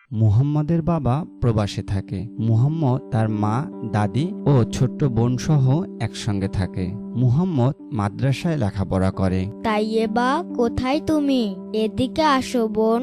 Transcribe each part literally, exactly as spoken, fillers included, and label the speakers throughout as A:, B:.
A: মুহাম্মদের বাবা প্রবাসে থাকে। মুহাম্মদ তার মা, দাদি ও ছোট্ট বোন সহ একসঙ্গে থাকে। মুহাম্মদ মাদ্রাসায় লেখাপড়া করে।
B: তাইয়েবা, কোথায় তুমি? এদিকে আসো বোন।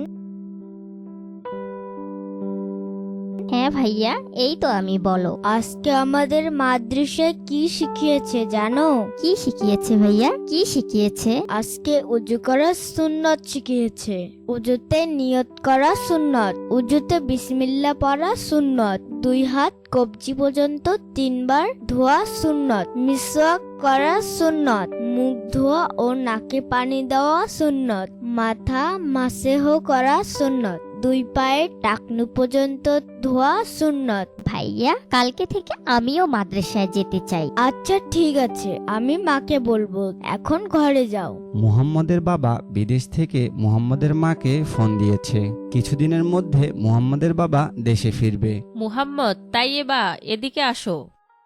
C: হ্যাঁ ভাইয়া, এই তো আমি। বলো।
B: আজকে আমাদের মাদ্রাসায় কি শিখিয়েছে জানো?
C: কি শিখিয়েছে ভাইয়া? কি শিখিয়েছে?
B: আজকে উজু করা সুন্নত শিখিয়েছে। উজুতে নিয়ত করা সুন্নত, উজুতে বিসমিল্লাহ পড়া সুন্নত, দুই হাত কবজি পর্যন্ত তিনবার ধোয়া সুন্নত, মিসওয়াক করা সুন্নত, মুখ ধোয়া ও নাকে পানি দেওয়া সুন্নত, মাথা মাসেহ করা সুন্নত, দুই পায়ের টাকনু পর্যন্ত ধোয়া সুন্নত।
C: ভাইয়া, কালকে থেকে আমিও মাদ্রাসায় যেতে চাই।
B: আচ্ছা ঠিক আছে, আমি মাকে বলবো। এখন ঘরে যাও।
A: মুহাম্মদের বাবা বিদেশ থেকে মুহাম্মদের মাকে ফোন দিয়েছে। কিছুদিনের মধ্যে মুহাম্মদের বাবা দেশে ফিরবে।
D: মুহাম্মদ, তাইয়েবা, এদিকে আসো।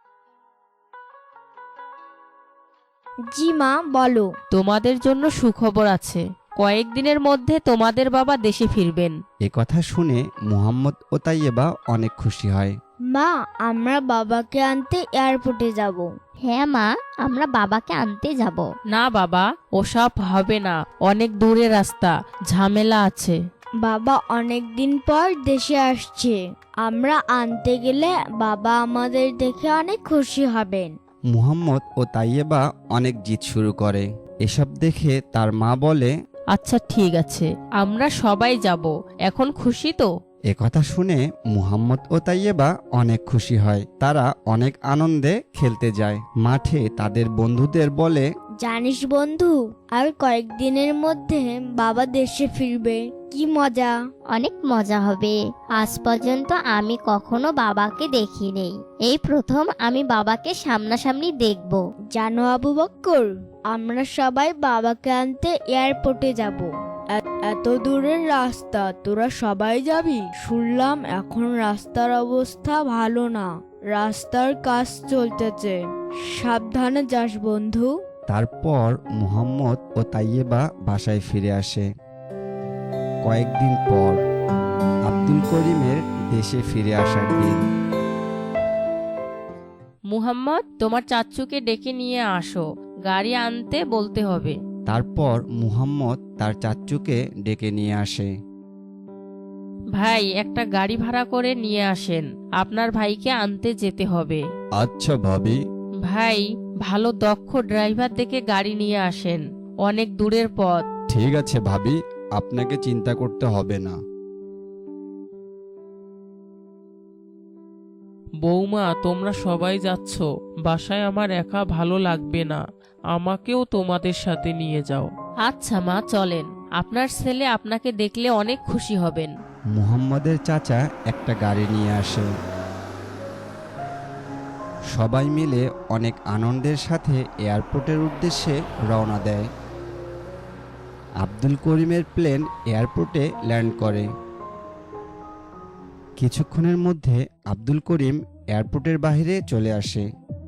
B: জি মা, বলো।
D: তোমাদের জন্য সুখবর আছে। কয়েকদিনের মধ্যে তোমাদের বাবা দেশে ফিরবেন।
A: এ কথা শুনে মুহাম্মদ ও তাইয়েবা অনেক খুশি হয়।
B: মা, আমরা বাবাকে আনতে এয়ারপোর্টে যাব।
C: হ্যাঁ মা, আমরা বাবাকে আনতে যাব।
D: না বাবা, ওসব হবে না। অনেক দূরে রাস্তা, ঝামেলা আছে।
B: বাবা অনেক দিন পর দেশে আসছে। আমরা আনতে গেলে বাবা আমাদের দেখে অনেক খুশি হবেন।
A: মুহাম্মদ ও তাইয়েবা অনেক জিদ শুরু করে। এসব দেখে তার মা বলে,
D: আচ্ছা ঠিক আছে, আমরা সবাই যাব। এখন খুশি তো?
A: এ কথা শুনে মুহাম্মদ ও তাইয়েবা অনেক খুশি হয়। তারা অনেক আনন্দে খেলতে যায়। মাঠে তাদের বন্ধুদের বলে,
B: জানিস বন্ধু, আর কয়েকদিনের মধ্যে বাবা দেশে ফিরবে। কি মজা!
C: অনেক মজা হবে। আজ পর্যন্ত আমি কখনো বাবাকে দেখিনি। এই প্রথম আমি বাবাকে সামনাসামনি দেখব।
B: জানো আবু বক্কর, আমরা সবাই বাবাকে আনতে এয়ারপোর্টে যাব। এত দূরের রাস্তা তোরা সবাই যাবি? শুনলাম এখন রাস্তার অবস্থা ভালো না, রাস্তার কাজ চলতেছে। সাবধানে যাস বন্ধু।
A: তারপর মুহাম্মদ ও তাইয়েবা বাসায় ফিরে আসে। কয়েকদিন পর আব্দুল করিমের দেশে ফিরে আসার দিন।
D: মুহাম্মদ, তোমার চাচ্চুকে ডেকে নিয়ে আসো, গাড়ি আনতে বলতে হবে।
A: তারপর মুহাম্মদ তার চাচ্চুকে ডেকে নিয়ে আসে।
D: ভাই, একটা গাড়ি ভাড়া করে নিয়ে আসেন, আপনার ভাইকে আনতে যেতে হবে।
A: আচ্ছা ভাবি।
D: ভাই, ভালো দক্ষ ড্রাইভার দেখে গাড়ি নিয়ে আসেন, অনেক দূরের পথ।
A: ঠিক আছে ভাবি, আপনাকে চিন্তা করতে হবে না।
E: বৌমা, তোমরা সবাই যাচ্ছ, বাসায় আমার একা ভালো লাগবে না, আমাকেও তোমাদের সাথে নিয়ে যাও।
D: আচ্ছা মা, চলেন, আপনার ছেলে আপনাকে দেখলে অনেক খুশি হবেন।
A: মুহাম্মদের চাচা একটা গাড়ি নিয়ে আসে। সবাই মিলে অনেক আনন্দের সাথে এয়ারপোর্টের উদ্দেশ্যে রওনা দেয়। আব্দুল করিমের প্লেন এয়ারপোর্টে ল্যান্ড করে। কিছুক্ষণের মধ্যে আব্দুল করিম এয়ারপোর্টের বাইরে চলে আসে।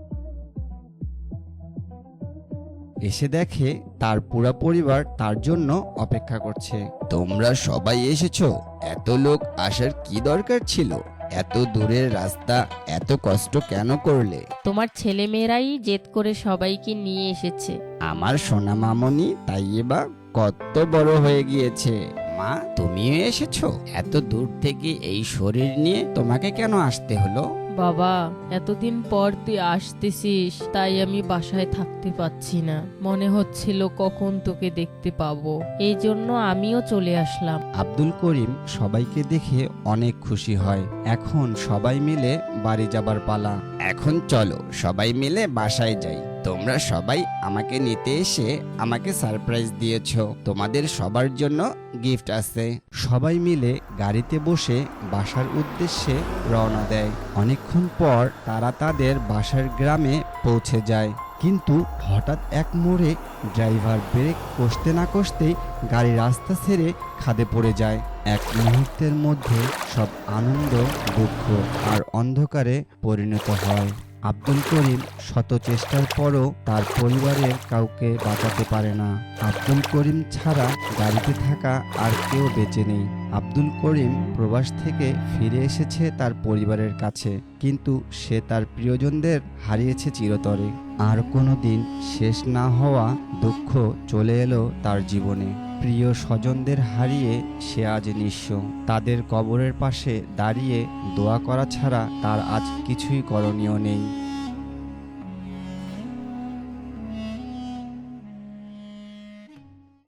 A: এসে দেখে তার পুরো পরিবার তার জন্য অপেক্ষা করছে। তোমরা সবাই এসেছো? এত লোক আসার কি দরকার ছিল? এত দূরের রাস্তা এত কষ্ট কেন করলে?
D: তোমার ছেলে মেয়েরাই জেদ করে সবাইকে নিয়ে এসেছে।
A: আমার সোনা মামনি তাইয়েবা কত বড় হয়ে গিয়েছে। মা, তুমিও এসেছো? এত দূর থেকে এই শরীর নিয়ে তোমাকে কেন আসতে হলো?
D: বাবা, এতদিন পর তুই আসতেছিস, তাই আমি বাসায় থাকতে পাচ্ছি না। মনে হচ্ছিল কখন তোকে দেখতে পাবো, এই জন্য আমিও চলে আসলাম।
A: আব্দুল করিম সবাইকে দেখে অনেক খুশি হয়। এখন সবাই মিলে বাড়ি যাবার পালা। এখন চলো সবাই মিলে বাসায় যাই। তোমরা সবাই আমাকে নিতে এসে আমাকে সারপ্রাইজ দিয়েছো। তোমাদের সবার জন্য গিফট আছে। সবাই মিলে গাড়িতে বসে বাসার উদ্দেশ্যে রওনা দেয়। অনেকক্ষণ পর তারা তাদের বাসার গ্রামে পৌঁছে যায়। কিন্তু হঠাৎ এক মোড়ে ড্রাইভার ব্রেক কষতে না কষতেই গাড়ি রাস্তা ছেড়ে খাদে পড়ে যায়। এক মুহূর্তের মধ্যে সব আনন্দ, দুঃখ আর অন্ধকারে পরিণত হয়। আব্দুল করিম শত চেষ্টার পরও তার পরিবারের কাউকে বাঁচাতে পারে না। আব্দুল করিম ছাড়া গাড়িতে থাকা আর কেউ বেঁচে নেই। আব্দুল করিম প্রবাস থেকে ফিরে এসেছে তার পরিবারের কাছে, কিন্তু সে তার প্রিয়জনদের হারিয়েছে চিরতরে। আর কোনো দিন শেষ না হওয়া দুঃখ চলে এলো তার জীবনে। প্রিয় স্বজনদের হারিয়ে সে আজ নিঃস্ব। তাদের কবরের পাশে দাঁড়িয়ে দোয়া করা ছাড়া তার আজ কিছুই করণীয় নেই।